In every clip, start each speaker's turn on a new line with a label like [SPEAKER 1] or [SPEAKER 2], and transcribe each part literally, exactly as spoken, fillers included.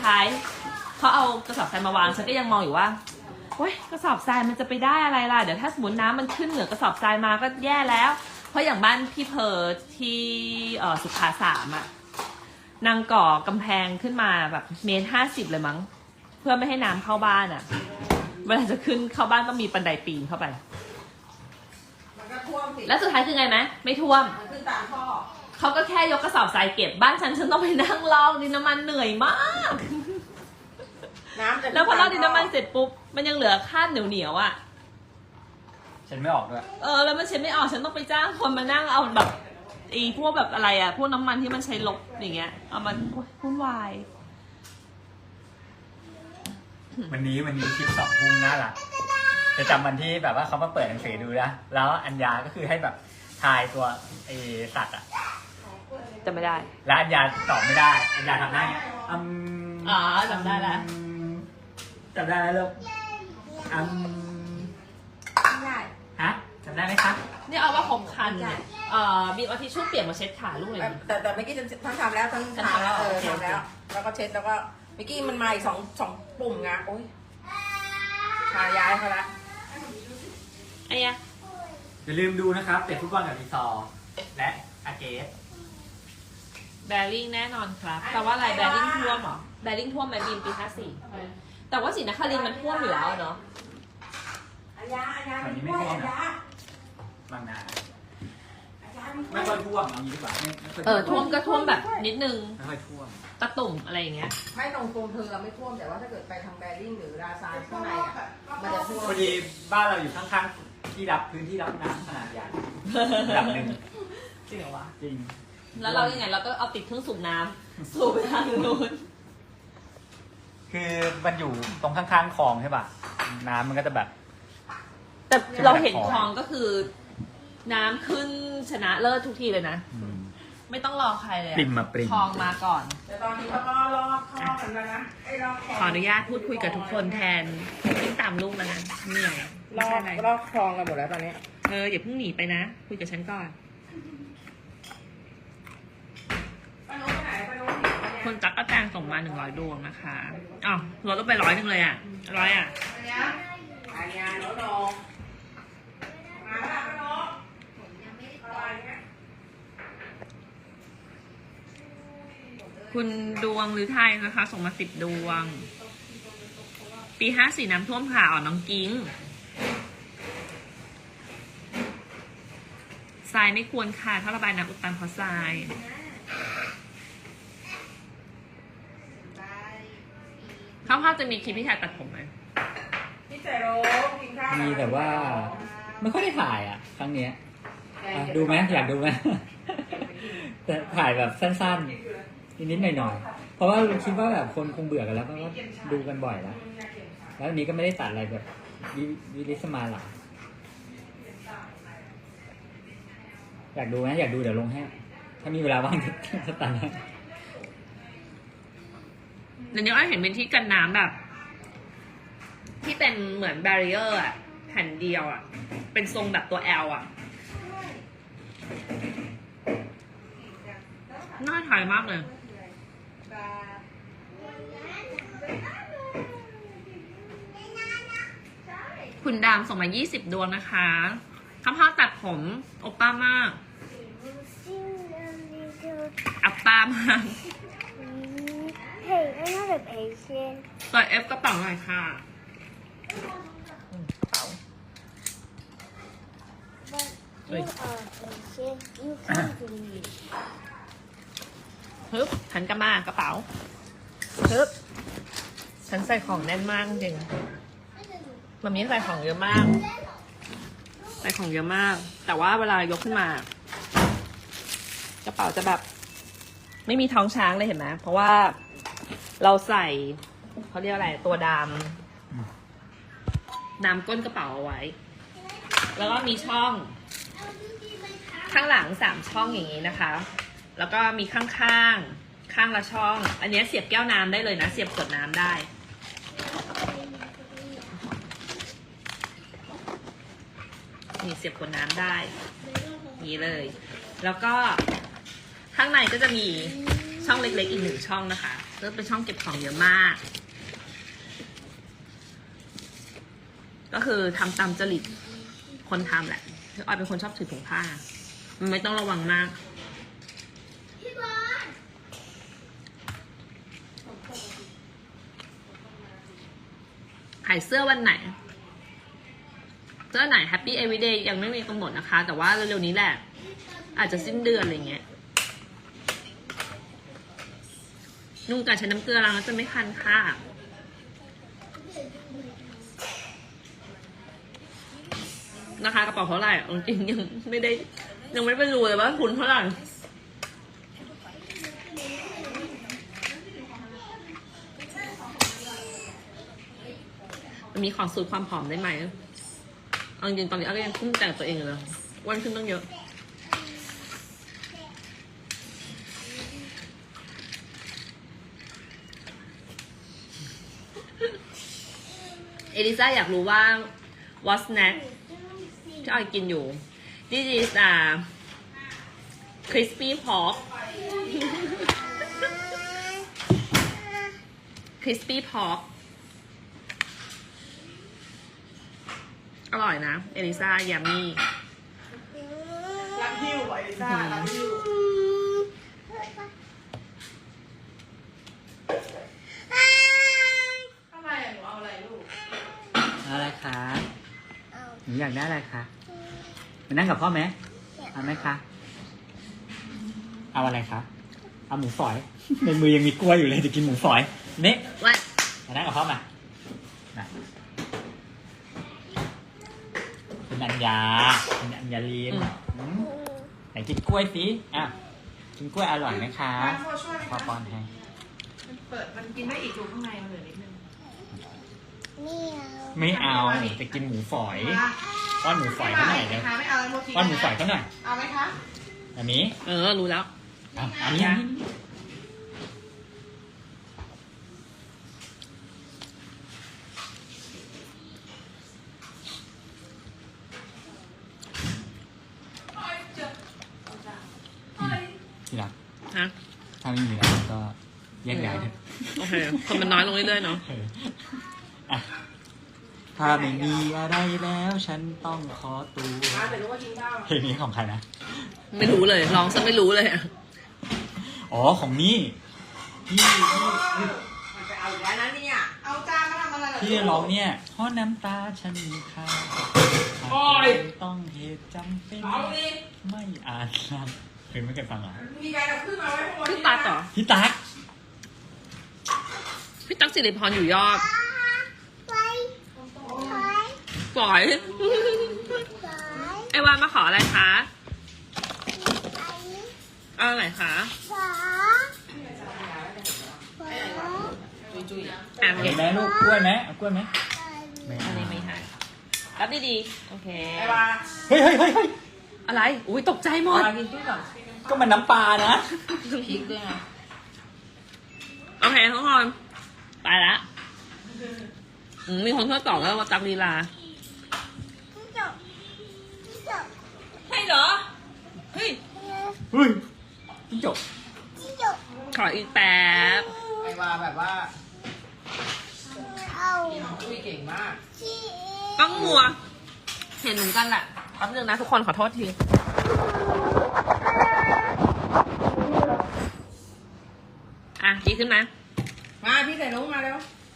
[SPEAKER 1] ท้ายเขาเอากระสอบทรายมาวางฉันก็ยังมองอยู่ว่าเฮ้ยกระสอบทรายมันจะไปได้อะไรล่ะเดี๋ยวถ้าสมมติน้ำมันขึ้นเหนือกระสอบทรายมาก็แย่แล้วเพราะอย่างบ้านพี่เพอที่เอ่อสุขาสามอะนางก่อกำแพงขึ้นมาแบบเมตรห้าสิบเลยมั้งเพื่อไม่ให้น้ำเข้าบ้านอะเวลาจะขึ้นเข้าบ้านต้องมีบันไดปีนเข้าไป
[SPEAKER 2] มันก็ท่วมสิ
[SPEAKER 1] แล้วสุดท้ายคือไงไหมไม่ท่วม
[SPEAKER 2] มันขึ้นตามท่อ
[SPEAKER 1] เขาก็แค่ยกกระสอบทรายเก็บบ้านฉันฉันต้องไปนั่งลอกดินน้ำมันเหนื่อยมาก
[SPEAKER 2] น้ำจะ
[SPEAKER 1] แล้วพอลอกดินน้ำมันเสร็จปุ๊บมันยังเหลือคราบเหนียวเหนียวอ่ะ
[SPEAKER 3] ฉันไม่ออกด้วย
[SPEAKER 1] เออแล้วมันเช็ดไม่ออกฉันต้องไปจ้างคนมานั่งเอาแบบไอ้พวกแบบอะไรอ่ะพวกน้ำมันที่มันใช้ลบอย่างเงี้ยเอามันวุ่นวาย
[SPEAKER 3] วันนี้วันนี้คลิปสองทุ่มน่ารักจะจำวันที่แบบว่าเขามาเปิดหนังสือดูนะแล้วอัญญาก็คือให้แบบทายตัวไอสัตว์อ่ะ
[SPEAKER 1] จำไม่ได้
[SPEAKER 3] แล้วอัญญาตอบไม่ได้อัญญาทำได้อืม
[SPEAKER 1] อ๋อจำได้แล้ว
[SPEAKER 3] จำได้แล้วลูกอืม
[SPEAKER 2] ได้
[SPEAKER 3] ฮะจำได้ไหมครับ
[SPEAKER 1] นี่เอาว่าผมคันเนี่ยเอ่อบีบเอาทิชชู่เปียกมาเช็ดขาลูกเลย
[SPEAKER 2] แต่แต่เมื่อกี้ทั้งทำแล้วทั้งทำแล้วเออทำแล้วแล้วก็เช็ดแล้วก็เมื่อกี้มันมาอีกสองสองปุ่มไงโอ๊ยพาย้ายเขาละ
[SPEAKER 1] ไอ้ยะ
[SPEAKER 3] อย่าลืมดูนะครับเตะฟุตบอลกับรีซอร์และอาเกส
[SPEAKER 1] แบริ่งแน่นอนครับแต่ว่าอะไรแบริ่งท่วมเหรอแบริ่งท่วมไหมบีมปีห้าสี่แต่ว่าศรีนครินทร์มันท่วมอยู่แล้วเนาะ
[SPEAKER 2] อาญาอาญาไม่ท่วมอาญา
[SPEAKER 3] บางนาไม่ค่อยท่วมเอางี้ดีกว่า
[SPEAKER 1] เออท่วมก็ท่วมแบบนิดนึง
[SPEAKER 3] ไม่ค่อยท่วม
[SPEAKER 1] ตะตุ่มอะไรอย่างเงี้ย
[SPEAKER 2] ไม่ตรงโซนเธอเราไม่ท่วมแต่ว่าถ้าเกิดไปทางแบริ่งหรือราซานข้างในอ่ะมันจะท่วม
[SPEAKER 3] พอดีบ้านเราอยู่ข้างๆที่รับพื้นที่รับน้ำขนาดใหญ่ระดับหนึ่ง
[SPEAKER 1] จริงเหรอวะ
[SPEAKER 3] จริง
[SPEAKER 1] แล้วเรายังไงเราก็เอาติดเครื่องสูบน้ำสูบไปทางนู้น
[SPEAKER 3] คือมันอยู่ตรงข้างๆคลองใช่ป่ะน้ำมันก็จะแบบ
[SPEAKER 1] แต่เราเห็นคลองก็คือน้ำขึ้นชนะเลิศทุกทีเลยนะไม่ต้องรอใครเลย
[SPEAKER 3] ปริมมาปริม
[SPEAKER 1] คลองมาก่อน
[SPEAKER 2] แต่ตอนนี้เขาก็รอคลองเหมือนกันนะไอ้รอคลอง
[SPEAKER 1] ขออนุญาตพูดคุยกับทุกคนแทนวิ่งตามลูกแล้วนะเหนื่อย
[SPEAKER 2] รอรอคลองกันหมดแล้วตอนนี้
[SPEAKER 1] เอออย่าเพิ่งหนีไปนะคุยกับฉันก่อนคนจักรแตงส่งมาหนึ่งร้อยดวงนะคะอ๋อลดลงไปร้อยหนึ่งเลยอ่ะร้อยอ่ะ
[SPEAKER 2] อาญาโนโนมาแล้วโน
[SPEAKER 1] คุณดวงหรือไทยนะคะส่งมาสิบดวงปีห้าสี่น้ำท่วมค่ะอ๋อน้องกิ้งทรายไม่ควรค่ะถ้าระบายน้ำอุดตันเพราะทรายข้าวๆจะมีคลิปพี่ชายตัดผมไหม
[SPEAKER 2] พี่เจโรกินข้าว
[SPEAKER 3] มีแต่ว่าไม่ค่อยได้ถ่ายอ่ะครั้งเนี้ยดูไหมอยากดูไหมแต่ถ่ายแบบสั้นๆนิดๆหน่อยๆเพราะว่าคิดว่าแบบคนคงเบื่อกันแล้วเพราะว่าดูกันบ่อยแล้วแล้วอันนี้ก็ไม่ได้ตัดอะไรแบบวิลิสมาหรอกอยากดูไหมอยากดูเดี๋ยวลงให้ถ้ามีเวลาว่างจะตัดให้
[SPEAKER 1] เดี๋ยวนี้อ้อยเห็นเป็นที่กันน้ำแบบที่เป็นเหมือนแบรีเออร์อะแผ่นเดียวอะเป็นทรงแบบตัว L อะน่าถ่ายมากเลยคุณดามส่งมายี่สิบดวงนะคะข้าวพ่อตัดผมโอป้ามากอัปป้ามาก
[SPEAKER 4] Hey, I'm not a patient.
[SPEAKER 1] เปิด F กระเป๋าหน่อยค่ะกระเป๋า
[SPEAKER 4] But you are patient. You can't believe.
[SPEAKER 1] ฮึบหันกลับมากระเป๋าฮึบฉันใส่ของแน่นมากจริงมันมีใส่ของเยอะมากใส่ของเยอะมากแต่ว่าเวลายกขึ้นมากระเป๋าจะแบบไม่มีท้องช้างเลยเห็นไหมเพราะว่าเราใส่เขาเรียกอะไรตัวดามดามก้นกระเป๋าเอาไว้แล้วก็มีช่องข้างหลังสามช่องอย่างนี้นะคะแล้วก็มีข้างข้างข้างละช่องอันนี้เสียบแก้วน้ำได้เลยนะเสียบขวดน้ำได้นี่เสียบขวดน้ำได้นี่เลยแล้วก็ข้างในก็จะมีช่องเล็กๆอีกหนึ่งช่องนะคะเริ่มเป็นช่องเก็บของเยอะมาก ก็คือทำตามจริตคนทำแหละคือออยเป็นคนชอบถือถุงผ้า มันไม่ต้องระวังมาก ขายเสื้อวันไหน เสื้อไหน Happy Everyday ยังไม่มีกำหนดนะคะ แต่ว่าเร็วๆนี้แหละ อาจจะสิ้นเดือนอะไรเงี้ย นุ่งการใช้น้ำเกลือล้างแล้วจะไม่คันค่ะนะคะกระเป๋าเท่าไหร่เอาจริงยังไม่ได้ยังไม่ไปดูเลยว่าทุนเท่าไหร่มันมีของสูตรความผอมได้ไหมเอาจริงๆตอนนี้อ้ก็ยังคุ้มแต่งตัวเองอยู่เลยอ้วนขึ้นต้องเยอะเอลิซ่าอยากรู้ว่า what snack ที่ออยกินอยู่ this is a crispy pork crispy pork อร่อยนะ เอลิซ่ายามี่
[SPEAKER 2] รักฮิวไอลิซ่ารักฮิวอะไรอ่ะหนูเอาอะไรลูก
[SPEAKER 3] เอาอะไรคะ
[SPEAKER 4] เอา
[SPEAKER 3] หนูอยากได้อะไรคะมานั่งกับพ่อไหมเอาไหมคะ เอาอะไรคะ เอาหมูฝอย ในมือยังมีกล้วยอยู่เลยจะกินหมูฝอยนี่
[SPEAKER 1] ว่า
[SPEAKER 3] มานั่งกับพ่อมามาคุณอัญญาคุณอัญญาลีนอืมไหนกินกล้วยสิอ่ะกินกล้วยอร่อยไหมคะ
[SPEAKER 2] มาพ่อช่วยไหม
[SPEAKER 3] พ่อ
[SPEAKER 2] คะ
[SPEAKER 3] ป้อนให้
[SPEAKER 2] มันเปิดมันกินได้อีกดูข้างในมันเหลือนิดนึง
[SPEAKER 4] ไม่เอา
[SPEAKER 3] ไม่เอาจะกินหมูฝอยป้อนหมูฝอยเขาหน่อย
[SPEAKER 2] ไหม
[SPEAKER 3] เร็ว
[SPEAKER 2] คะไม่เอาแล้วโมจิ
[SPEAKER 3] ป้อนหมูฝอยเขาหน่อย
[SPEAKER 2] เอาไหมคะ
[SPEAKER 3] อันนี้
[SPEAKER 1] เออ รู้แล้ว
[SPEAKER 3] อ่ะอันนี้อันนี้ที่รัก
[SPEAKER 1] ฮะ
[SPEAKER 3] ถ้าไม่มีแล้วก็แยกย้ายเถอะ
[SPEAKER 1] โอเค คนมันน้อยลงเรื่อยๆเนาะ
[SPEAKER 3] เอออ่ะถ้าไม่มีอะไรแล้วฉันต้องขอตัว
[SPEAKER 2] มาแต่รู้ว่ากินข้าว
[SPEAKER 3] เพลงนี้ของใครนะ
[SPEAKER 1] ไม่รู้เลยร้องซะไม่รู้เลยอะ
[SPEAKER 3] อ๋อของนี่ที่ที่
[SPEAKER 2] มันไปเอาอีกแล้วนะเนี่ยเอาจานมาทำอะไรเหรอ
[SPEAKER 3] ที่ร้องเนี่ยเพราะน้ำตาฉันมีค่า
[SPEAKER 2] โอ้ย
[SPEAKER 3] ต้องเหตุจำเป็น
[SPEAKER 2] เอาดิ
[SPEAKER 3] ไม่อ่านนะเคยไม่เคยฟังเหรอ
[SPEAKER 2] มีการเอาขึ้นมาไว้ข้างบน
[SPEAKER 1] พี่ตั๊กเหรอ
[SPEAKER 3] พี่ตั๊ก
[SPEAKER 1] พี่ตั๊กสิริพรอยู่ยอด
[SPEAKER 4] ไปไป
[SPEAKER 1] ปล่อย
[SPEAKER 4] ไป
[SPEAKER 1] ไอวานมาขออะไรคะ
[SPEAKER 4] ไป
[SPEAKER 1] เอาอะไรคะ
[SPEAKER 4] ฝาฝา
[SPEAKER 2] จุย
[SPEAKER 1] อ่ะ
[SPEAKER 3] เห็นไหมลูกกล้วยไหมเอากล้วยไหมไม่
[SPEAKER 1] อัน
[SPEAKER 3] เอา
[SPEAKER 1] นี้ไม่ให้รับดีๆโอเค
[SPEAKER 2] ๆไอ้วา
[SPEAKER 3] เฮ้ยเฮ้ยเฮ้ยเฮ้ย
[SPEAKER 1] อะไรอุ้ยตกใจหมด
[SPEAKER 2] วากินจุ้ยก่อน
[SPEAKER 3] ก็มันน้ำปลานะ
[SPEAKER 2] พริกด้วยนะ
[SPEAKER 1] โอเคทุกคนไปละอืมมีคนช่วยตอบแล้วว่าตักลีลา
[SPEAKER 4] ที่จบที่จบ
[SPEAKER 1] ให้เหรอ เฮ้ย
[SPEAKER 3] เฮ้ยจิ้งจก
[SPEAKER 4] ที่จบ
[SPEAKER 1] ขออีกแป๊บ
[SPEAKER 2] ไอ้วาแบบว่า
[SPEAKER 4] เอา
[SPEAKER 2] กินจุ้ยเก่งมาก
[SPEAKER 4] ที่
[SPEAKER 1] ต้องมัว เห็นเหมือนกันแหละแป๊บนึงนะทุกคนขอโทษที อ่ะดีขึ้นไหม
[SPEAKER 2] มาพี่ใส่นุ้งมาแล้ว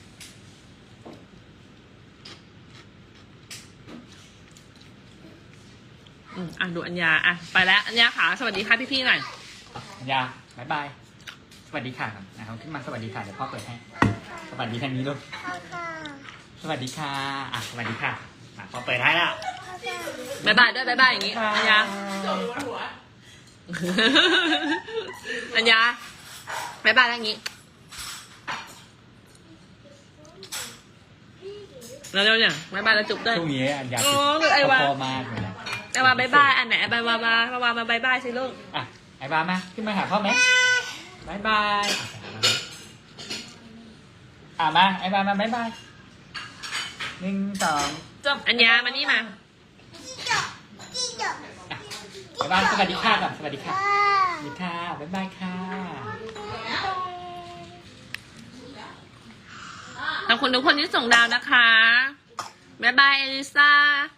[SPEAKER 1] อืมอ่ะดูอัญญาอ่ะไปแล้วอัญญาค่ะสวัสดีค่ะพี่ๆหน่อย
[SPEAKER 3] อัญญาบายบาย สวัสดีค่ะครับนะครับขึ้นมาสวัสดีค่ะเดี๋ยวพ่อเปิดให้ สวัสดีทางนี้ลูก
[SPEAKER 4] ข้าวข้าว
[SPEAKER 3] สวัสดีค่ะ อ่ะ สวัสดีค่ะอ่ะพอเปิดให้ละ
[SPEAKER 4] ข้าวข้าว
[SPEAKER 1] บายบายด้วยบายบายอย่างงี้อัญญา
[SPEAKER 2] หัว
[SPEAKER 1] อัญญาบายบายแล้วอย่างงี้แล้วเร็วเนี่ยบายบายแล้วจุ๊บด้วย
[SPEAKER 3] ช่วงนี้อัญญา
[SPEAKER 1] โอ้คือไอ้วะ
[SPEAKER 3] พอมากเลยนะ
[SPEAKER 1] ไอ้วาบายบายอันไหนไอ้บายวาบายบายมาบายบายสิลูก
[SPEAKER 3] อ่ะ ไอ้บามา ขึ้นมาหาพ่อไหมบายบาย อ่ะมา ไอ้บามาบายบายหนึ่งสอง
[SPEAKER 1] จบอัญญามานี่มา
[SPEAKER 4] ที่จบที่จบ
[SPEAKER 3] ไอ้บาสวัสดีค่ะก่อนสวัสดีค่ะ
[SPEAKER 4] อ่า
[SPEAKER 3] สวัสดีค่ะ บ๊ายบายค่ะ
[SPEAKER 1] ขอบคุณทุกคนที่ส่งดาวนะคะ บ๊ายบาย เอลิซา